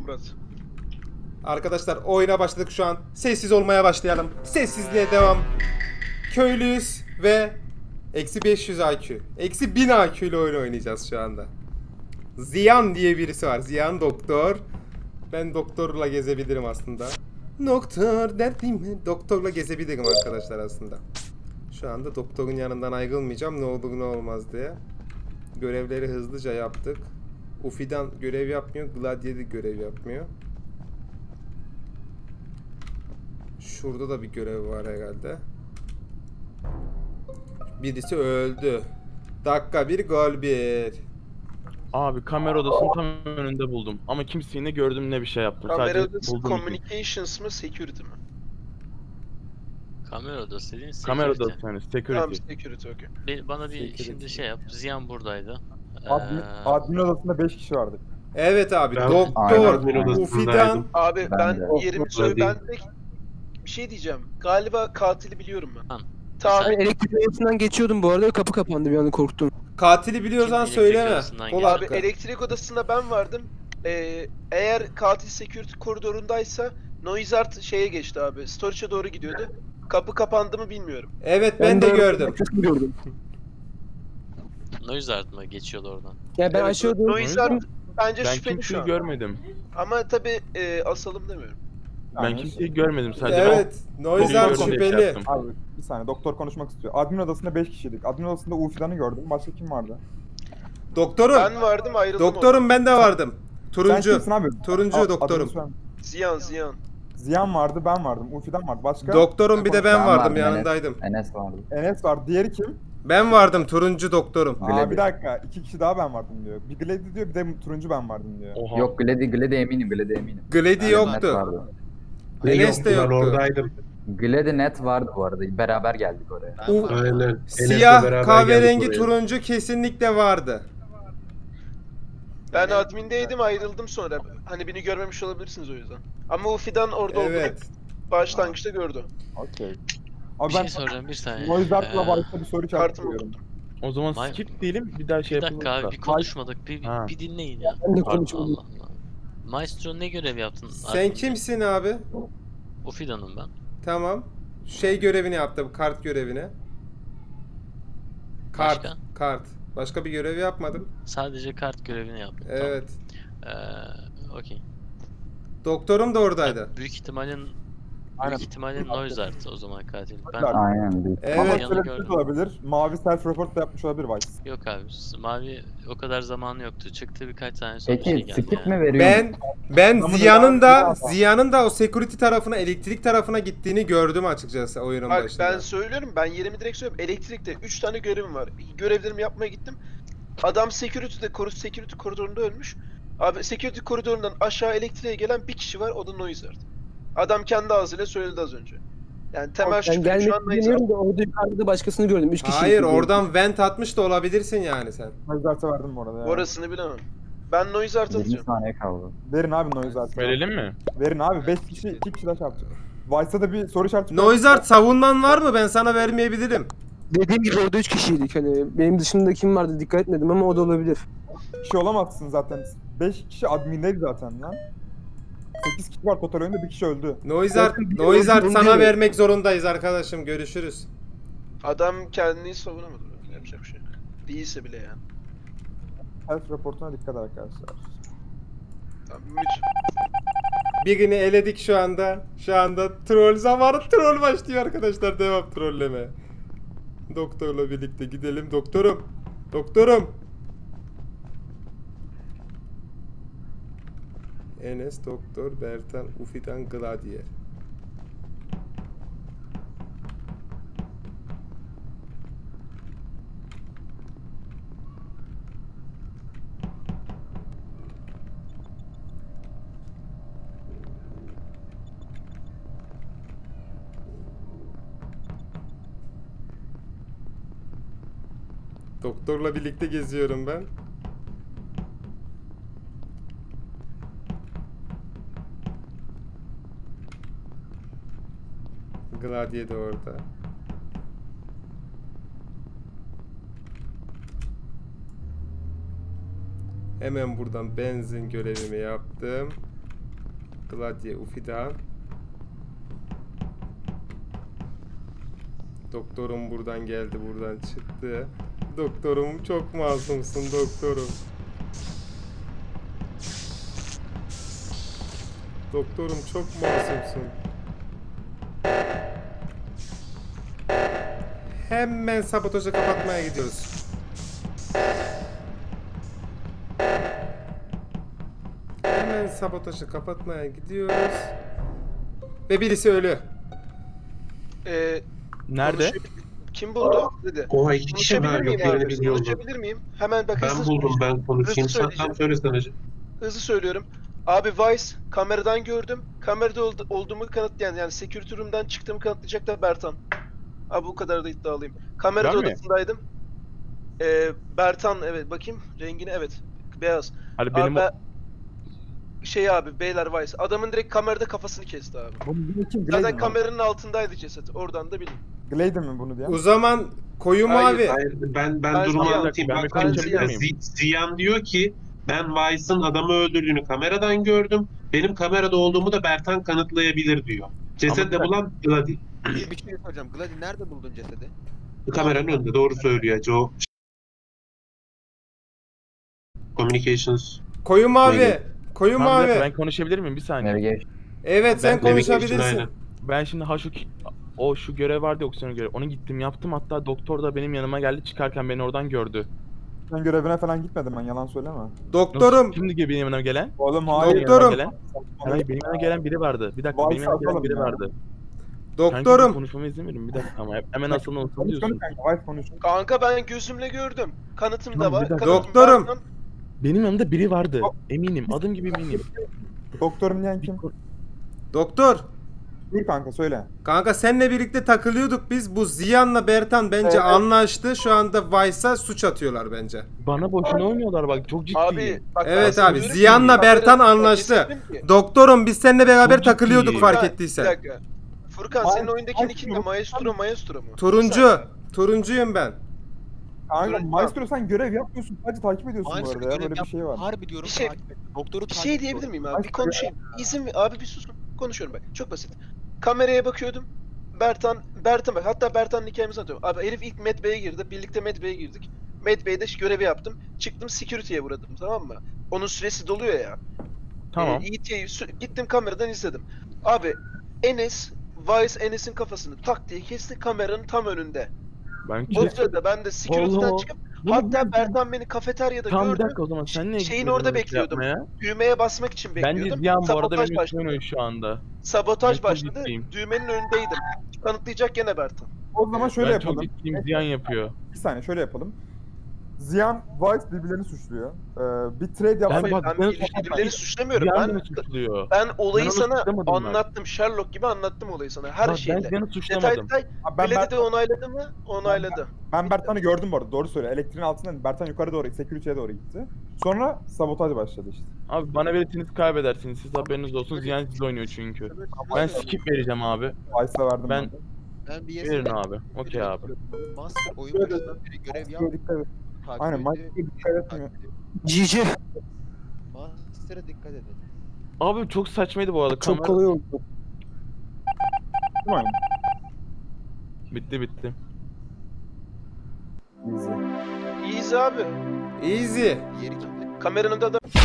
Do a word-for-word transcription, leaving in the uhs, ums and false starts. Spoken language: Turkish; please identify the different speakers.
Speaker 1: kapat.
Speaker 2: Arkadaşlar oyuna başladık şu an. Sessiz olmaya başlayalım. Sessizliğe devam. Köylüyüz ve eksi beş yüz I Q. Eksi bin I Q ile oyun oynayacağız şu anda. Ziyan diye birisi var. Ziyan doktor. Ben doktorla gezebilirim aslında. Doktor derdim. Doktorla gezebilirim arkadaşlar aslında. Şu anda doktorun yanından ayrılmayacağım. Ne olur ne olmaz diye. Görevleri hızlıca yaptık. Ufi'dan görev yapmıyor. Gladiator görev yapmıyor. Şurada da bir görev var herhalde. Birisi öldü. Dakika bir, gol bir.
Speaker 3: Abi kamera odasının tam önünde buldum. Ama kimseyi ne gördüm ne bir şey yaptım.
Speaker 1: Kamera
Speaker 3: Sadece
Speaker 1: odası
Speaker 3: buldum. iki.
Speaker 1: communications mı security mi?
Speaker 4: Kamera odası dediğin
Speaker 3: Kamera
Speaker 4: security.
Speaker 3: odası yani security.
Speaker 1: Tamam security okey.
Speaker 4: Bir- bana bir
Speaker 2: Security.
Speaker 4: şimdi şey yap. Ziyan buradaydı.
Speaker 5: Admin,
Speaker 4: Ee,
Speaker 5: admin odasında beş kişi vardı.
Speaker 2: Evet abi,
Speaker 6: Ben-
Speaker 2: doktor,
Speaker 6: Aynen.
Speaker 2: Ufi'dan.
Speaker 1: Abi
Speaker 5: Ben
Speaker 1: ben,
Speaker 5: de.
Speaker 1: yerimi söyle ben tek bir şey diyeceğim. Galiba katili biliyorum ben.
Speaker 4: Tamam.
Speaker 1: Tamam.
Speaker 4: Sen-
Speaker 7: Ben elektrik odasından geçiyordum bu arada, kapı kapandı, bir anda korktum.
Speaker 2: Katili biliyorsan
Speaker 4: Kim
Speaker 2: söyleme.
Speaker 4: elektrik odasından
Speaker 2: Kol
Speaker 4: geldi?
Speaker 1: Abi
Speaker 2: hakkı.
Speaker 1: elektrik odasında ben vardım. Ee, eğer katil security koridorundaysa Noizart şeye geçti abi. Storage'a doğru gidiyordu. Kapı kapandı mı bilmiyorum.
Speaker 2: Evet ben de gördüm.
Speaker 7: Arkasını gördüm.
Speaker 4: Noise art mı geçiyordu oradan?
Speaker 7: Yani ben
Speaker 1: Evet,
Speaker 7: aşağı doğru
Speaker 1: Noizart bence
Speaker 3: Ben
Speaker 1: şüpheli şu
Speaker 3: kimseyi
Speaker 1: an.
Speaker 3: görmedim.
Speaker 1: Ama tabi e, asalım demiyorum.
Speaker 3: Ben
Speaker 5: Yani-
Speaker 3: kimseyi görmedim. Sadece
Speaker 2: Evet, Noizart
Speaker 3: Doktor
Speaker 2: şüpheli.
Speaker 3: şey yaptım.
Speaker 5: Abi bir saniye, doktor konuşmak istiyor. Admin odasında beş kişiydik. Admin odasında Ufi'dan'ı gördüm. Başka kim vardı?
Speaker 2: Doktorum.
Speaker 1: Ben vardım ayrıldım.
Speaker 2: Doktorum ben de vardım.
Speaker 5: Sen
Speaker 2: Turuncu.
Speaker 5: kimsin abi?
Speaker 2: Turuncu
Speaker 5: Aa,
Speaker 2: doktorum.
Speaker 5: adını söyle.
Speaker 1: oradan. Ziyan Ziyan.
Speaker 5: Ziyan vardı, ben vardım. Ufi'dan vardı. Başka?
Speaker 2: Doktorum bir de ben
Speaker 8: Ben
Speaker 2: vardım,
Speaker 8: vardım,
Speaker 2: yanındaydım.
Speaker 8: Enes vardı.
Speaker 5: Enes var. Diğeri kim?
Speaker 2: Ben vardım, turuncu doktorum.
Speaker 5: Aa
Speaker 8: Glady.
Speaker 5: bir dakika. İki kişi daha ben vardım diyor. Bir Glady diyor, bir de turuncu ben vardım diyor.
Speaker 3: Oha.
Speaker 8: Yok Glady, Glady eminim, Glady eminim.
Speaker 2: Glady
Speaker 8: Net
Speaker 2: yoktu.
Speaker 8: vardı.
Speaker 2: Enes de
Speaker 6: Ben
Speaker 2: yoktu.
Speaker 6: oradaydım.
Speaker 8: Glady net vardı bu arada. Beraber geldik oraya.
Speaker 2: U-
Speaker 6: Aynen. Enes'le
Speaker 2: Siyah
Speaker 6: beraber
Speaker 2: kahverengi
Speaker 6: geldik oraya.
Speaker 2: turuncu kesinlikle vardı.
Speaker 1: Ben admindeydim ayrıldım sonra. Hani beni görmemiş olabilirsiniz o yüzden. Ama Ufi'dan orada
Speaker 2: Evet.
Speaker 1: olduğunu başlangıçta gördü.
Speaker 5: Okey.
Speaker 4: Bir
Speaker 5: Abi
Speaker 4: şey
Speaker 5: ben
Speaker 4: soracağım bir saniye.
Speaker 5: Noizart'la
Speaker 4: Ee,
Speaker 5: başka bir soru
Speaker 1: Kartımı
Speaker 5: çarpıyorum.
Speaker 1: okudum.
Speaker 3: O zaman
Speaker 4: May-
Speaker 3: skip diyelim bir daha şey
Speaker 4: Bir
Speaker 3: yapalım.
Speaker 4: dakika abi bir konuşmadık. Bir,
Speaker 3: Ha.
Speaker 4: bir dinleyin ya.
Speaker 7: Ben de
Speaker 4: Pardon,
Speaker 7: konuşmadım.
Speaker 4: Allah Allah. Maestro ne görev yaptın?
Speaker 2: Sen
Speaker 4: Admin'de?
Speaker 2: kimsin abi?
Speaker 4: Ufidan'ım ben.
Speaker 2: Tamam. Şey görevini yaptı, bu kart görevini. Kart.
Speaker 4: Başka?
Speaker 2: Kart. Başka bir görev yapmadım.
Speaker 4: Sadece kart görevini yaptım.
Speaker 2: Evet.
Speaker 4: Tamam. Ee, okey.
Speaker 2: Doktorum da oradaydı.
Speaker 4: Büyük ihtimalin
Speaker 5: Aynen.
Speaker 4: Büyük ihtimalin Noise art o zaman katil. Ben
Speaker 5: Noise
Speaker 8: Aynen. büyük.
Speaker 2: Evet.
Speaker 5: Ama
Speaker 4: yanı
Speaker 5: şöyle bir şey
Speaker 4: gördüm.
Speaker 5: de olabilir. Mavi self-report da yapmış olabilir Vice.
Speaker 4: Yok abi. Mavi o kadar zamanı yoktu. Çıktı birkaç tane sonra şey
Speaker 8: Peki
Speaker 4: geldi
Speaker 8: skip
Speaker 4: yani.
Speaker 8: mi veriyor?
Speaker 2: Ben ben
Speaker 5: Adamın
Speaker 2: Ziya'nın da
Speaker 5: devamı bir
Speaker 2: Ziya'nın da o security tarafına, elektrik tarafına gittiğini gördüm açıkçası oyunun
Speaker 1: Bak
Speaker 2: başında.
Speaker 1: ben söylüyorum ben yerimi direkt söylüyorum. Elektrikte üç tane görevim var. Görevlerimi yapmaya gittim. Adam security'de koru security koridorunda ölmüş. Abi security koridorundan aşağı elektriğe gelen bir kişi var, o da Noizart. Adam kendi ağzıyla söyledi az önce. Yani temel
Speaker 7: Ben
Speaker 1: şüphe
Speaker 7: gelmek
Speaker 1: şu an Noizart.
Speaker 7: istemiyorum da orada yukarıda başkasını gördüm. Üç kişi.
Speaker 2: Hayır, oradan vent atmış da olabilirsin yani sen.
Speaker 5: Noizart'a verdim bu arada ya.
Speaker 1: Orasını bilemem. Ben Noizart
Speaker 8: yirmi
Speaker 1: atacağım.
Speaker 8: saniye kaldı.
Speaker 5: Verin abi Noizart'a.
Speaker 3: Verelim mi?
Speaker 5: Verin abi. beş kişi, iki kişi daha çarptı. Vice'da da bir soru işareti.
Speaker 2: Noizart savunman var mı? Ben sana vermeyebilirim.
Speaker 7: Dediğim gibi orada üç kişiydik. Hani benim dışımda kim vardı dikkat etmedim ama o da olabilir.
Speaker 5: kişi olamazsın zaten. beş kişi admindeydi zaten lan. sekiz kişi var total oyunda, bir kişi öldü.
Speaker 2: Noizart,
Speaker 7: Zaten bir
Speaker 2: Noizart
Speaker 7: oyun
Speaker 2: sana
Speaker 7: değil mi?
Speaker 2: vermek zorundayız arkadaşım. Görüşürüz.
Speaker 1: Adam kendini savunamadı. Yapacak bir şey yok. Değilse bile yani.
Speaker 5: Self-reportuna dikkat arkadaşlar.
Speaker 1: Tamam, ümit.
Speaker 2: Birini eledik şu anda. Şu anda troll zamanı, troll başlıyor arkadaşlar. Devam trolleme. Doktorla birlikte gidelim. Doktorum. Doktorum. Enes, Doktor, Bertan, Ufi'dan, Gladier. Doktorla birlikte geziyorum ben. Gladiye de orada. Hemen buradan benzin görevimi yaptım. Gladye, Ufidan. Doktorum buradan geldi, buradan çıktı. Doktorum çok masumsun doktorum. Doktorum çok masumsun. Hemen sabotajı kapatmaya gidiyoruz. Hemen sabotajı kapatmaya gidiyoruz. Ve birisi ölü.
Speaker 1: Ee,
Speaker 3: Nerede?
Speaker 1: konuşabil- Kim buldu? Dedi.
Speaker 6: Oha iki kişi mi?
Speaker 1: Konuşabilir
Speaker 6: Yok
Speaker 1: miyim
Speaker 6: birini
Speaker 1: abi?
Speaker 6: biz yolladık.
Speaker 1: Konuşabilir miyim? Hemen bak
Speaker 6: Ben
Speaker 1: hızlı
Speaker 6: buldum
Speaker 1: söyleyeceğim.
Speaker 6: ben konuşayım.
Speaker 1: Hızlı
Speaker 6: Sen tam
Speaker 1: söyleyeceğim.
Speaker 6: söylesene hacı.
Speaker 1: Hızlı söylüyorum. Abi Vice kameradan gördüm. Kamerada ol- olduğumu kanıtlayan yani security room'dan çıktığımı kanıtlayacak da Bertan. Abi bu kadar da iddialıyım. Kamerada
Speaker 3: Ben mi?
Speaker 1: odasındaydım. Ee, Bertan evet bakayım rengini evet. Beyaz.
Speaker 3: Hani
Speaker 1: Abi
Speaker 3: benim o...
Speaker 1: ben- şey abi beyler Vice. Adamın direkt kamerada kafasını kesti abi.
Speaker 5: Bunu bunu kim? Gladen
Speaker 1: Zaten
Speaker 5: mi?
Speaker 1: kameranın altındaydı ceset. Oradan da bilin.
Speaker 5: Gladen mi bunu diyen?
Speaker 2: O zaman koyu
Speaker 1: Hayır,
Speaker 2: mavi.
Speaker 6: Hayır ben ben
Speaker 1: Ben
Speaker 6: durumu
Speaker 1: Ziyan-
Speaker 6: anlatayım.
Speaker 3: ben bir
Speaker 6: Bak,
Speaker 3: konuşabilir
Speaker 6: ben-
Speaker 3: miyim?
Speaker 6: Z- Ziyan diyor ki ben Vice'ın adamı öldürdüğünü kameradan gördüm. Benim kamerada olduğumu da Bertan kanıtlayabilir diyor. Ceset de
Speaker 3: Ama-
Speaker 6: bulan Gladi.
Speaker 9: Bir şey soracağım. Gladi nerede buldun cesedi?
Speaker 6: Kameranın önünde doğru söylüyor hacı o. Communications.
Speaker 2: Koyu mavi.
Speaker 6: Neydi?
Speaker 2: Koyu
Speaker 3: Tamam, bir dakika,
Speaker 2: mavi.
Speaker 3: ben konuşabilir miyim? Bir saniye.
Speaker 8: Navigation.
Speaker 2: Evet sen
Speaker 3: Ben-
Speaker 6: Navigation,
Speaker 2: konuşabilirsin.
Speaker 6: aynen.
Speaker 3: Ben şimdi ha şu ki- o şu görev vardı ya, oksijen görevi. Onu gittim yaptım, hatta doktor da benim yanıma geldi, çıkarken beni oradan gördü.
Speaker 5: Ben görevine falan gitmedim ben yalan söyleme.
Speaker 2: Doktorum.
Speaker 3: Nasıl? Şimdi benim yanıma gelen?
Speaker 5: Oğlum
Speaker 3: Benim
Speaker 5: hayır.
Speaker 3: yanıma
Speaker 2: Doktorum.
Speaker 3: gelen- Hayır, benim yanıma gelen biri vardı. Bir dakika,
Speaker 5: Vay
Speaker 3: benim yanıma gelen
Speaker 5: sakalım
Speaker 3: biri
Speaker 5: ya.
Speaker 3: vardı. Kanka,
Speaker 2: Doktorum.
Speaker 3: konuşmamı izin verin bir dakika ama hemen aslında
Speaker 5: Konuş
Speaker 3: unutuyorsun.
Speaker 5: konuş kanka. Vice konuş.
Speaker 1: Kanka ben gözümle gördüm. Kanıtım da
Speaker 3: Tamam,
Speaker 1: var.
Speaker 3: bir dakika.
Speaker 1: Kanıtım
Speaker 2: Doktorum.
Speaker 1: Bertan.
Speaker 3: Benim yanımda biri vardı. Eminim, adım gibi eminim.
Speaker 5: Doktorum diyen kim?
Speaker 2: Doktor.
Speaker 5: Buyur kanka söyle.
Speaker 2: Kanka seninle birlikte takılıyorduk biz. Bu Ziyan'la Bertan bence
Speaker 5: Evet.
Speaker 2: anlaştı. Şu anda Vice'a suç atıyorlar bence.
Speaker 3: Bana boşuna oynuyorlar bak, çok ciddiyim.
Speaker 1: Abi bak ben
Speaker 2: Evet
Speaker 1: sana
Speaker 2: abi,
Speaker 1: diyorum ki,
Speaker 2: Ziyan'la
Speaker 1: kamera-
Speaker 2: Bertan
Speaker 1: bak,
Speaker 2: anlaştı.
Speaker 1: dedim ki,
Speaker 2: Doktorum biz seninle beraber
Speaker 3: Çok
Speaker 2: takılıyorduk
Speaker 3: ciddiyim.
Speaker 2: fark
Speaker 1: Furkan,
Speaker 2: ettiysen.
Speaker 1: Bir dakika. Furkan
Speaker 5: Ay-
Speaker 1: senin oyundaki
Speaker 5: ay-
Speaker 1: nickin de Maestro Maestro mu? Bir
Speaker 2: Turuncu.
Speaker 1: saniye.
Speaker 2: Turuncuyum ben.
Speaker 5: Kanka
Speaker 1: Dur,
Speaker 5: Maestro sen görev yapmıyorsun. Sadece takip ediyorsun bu
Speaker 9: Maestro
Speaker 5: arada ya.
Speaker 9: görev
Speaker 5: Böyle bir şey var.
Speaker 9: Harbi diyorum
Speaker 1: Bir şey-
Speaker 9: takip et. Doktoru
Speaker 1: Bir
Speaker 9: takip
Speaker 1: şey
Speaker 9: et.
Speaker 1: diyebilir miyim abi?
Speaker 5: Ay,
Speaker 1: Bir konuşayım. İzin ver. Abi bir susun. Konuşuyorum bak. Çok basit. Kameraya bakıyordum. Bertan, Bertan bak. Hatta Bertan'ın hikayemizi anlatıyorum. Abi herif ilk Med Bay'e girdi. Birlikte Med Bay'e girdik. Med Bay'de görevi yaptım. Çıktım security'ye uğradım tamam mı? Onun süresi doluyor ya.
Speaker 3: Tamam.
Speaker 1: Ee, E T'yi sü- gittim kameradan izledim. Abi Enes, Vice Enes'in kafasını tak diye kesti kameranın tam önünde.
Speaker 3: Ben
Speaker 1: O sırada ben de security'den
Speaker 3: Allah.
Speaker 1: çıkıp
Speaker 3: Bunu
Speaker 1: hatta
Speaker 3: ben-
Speaker 1: Bertan beni kafeteryada
Speaker 3: Tamam, bir
Speaker 1: gördü.
Speaker 3: dakika o zaman sen niye
Speaker 1: Şeyin
Speaker 3: gitmedin
Speaker 1: orada
Speaker 3: öyle şey
Speaker 1: bekliyordum.
Speaker 3: yapmaya?
Speaker 1: Düğmeye basmak için
Speaker 3: Bence
Speaker 1: bekliyordum.
Speaker 3: Ziyan bu arada
Speaker 1: Sabotaj
Speaker 3: benim üstüme
Speaker 1: başladı.
Speaker 3: oynuyor şu anda.
Speaker 1: Sabotaj
Speaker 3: Ben çok
Speaker 1: başladı.
Speaker 3: ciddiyim.
Speaker 1: Düğmenin önündeydim. Kanıtlayacak gene Bertan.
Speaker 5: O zaman şöyle
Speaker 3: ben
Speaker 5: yapalım.
Speaker 3: çok ciddiyim, Ziyan yapıyor.
Speaker 5: Bir saniye şöyle yapalım. Ziyan, Vice birbirlerini suçluyor. Ee, bir trade yapsak...
Speaker 3: Ben bak-
Speaker 1: Ben
Speaker 3: ben-
Speaker 1: birbirlerini suçlamıyorum.
Speaker 3: Ziyan
Speaker 1: Ben
Speaker 3: beni suçluyor.
Speaker 1: ben olayı
Speaker 3: onu
Speaker 1: sana
Speaker 3: suçlamadım ben.
Speaker 1: anlattım. Sherlock gibi anlattım olayı sana. Her
Speaker 3: Bak,
Speaker 1: şeyle.
Speaker 3: ben Ziyan'ı
Speaker 1: Detay
Speaker 3: suçlamadım.
Speaker 1: detay.
Speaker 5: Abi ben,
Speaker 1: Belediye
Speaker 5: Bert-
Speaker 1: de onayladı mı? Onayladı.
Speaker 5: ben Bertan'ı gördüm bu arada doğru söyle. Elektriğin altından Bertan yukarı doğru, security'ye doğru gitti. Sonra sabotaj başladı işte.
Speaker 3: Abi bana verirseniz kaybedersiniz. Siz haberiniz olsun. Ziyan siz oynuyor çünkü. Ben skip vereceğim abi.
Speaker 5: Vice'a verdim
Speaker 3: Ben-
Speaker 5: ben. de.
Speaker 9: Ben bir
Speaker 3: Verin abi. Okey abi.
Speaker 9: Master oyun
Speaker 5: Şöyle-
Speaker 9: başından beri görev yap.
Speaker 5: Master'a dikkat et.
Speaker 9: takip
Speaker 5: Aynen
Speaker 9: ediyor,
Speaker 5: Master'a dikkat etmiyor.
Speaker 9: takip ediyor.
Speaker 7: G G.
Speaker 9: Master'a dikkat edin.
Speaker 3: Abi çok saçmaydı bu arada.
Speaker 7: Çok
Speaker 3: Kamera-
Speaker 7: kolay oldu.
Speaker 5: Değil mi oyun?
Speaker 3: Bitti bitti.
Speaker 5: Easy.
Speaker 1: İyiyiz abi.
Speaker 2: Easy.
Speaker 9: Diğeri kimdi?
Speaker 1: Kameranın da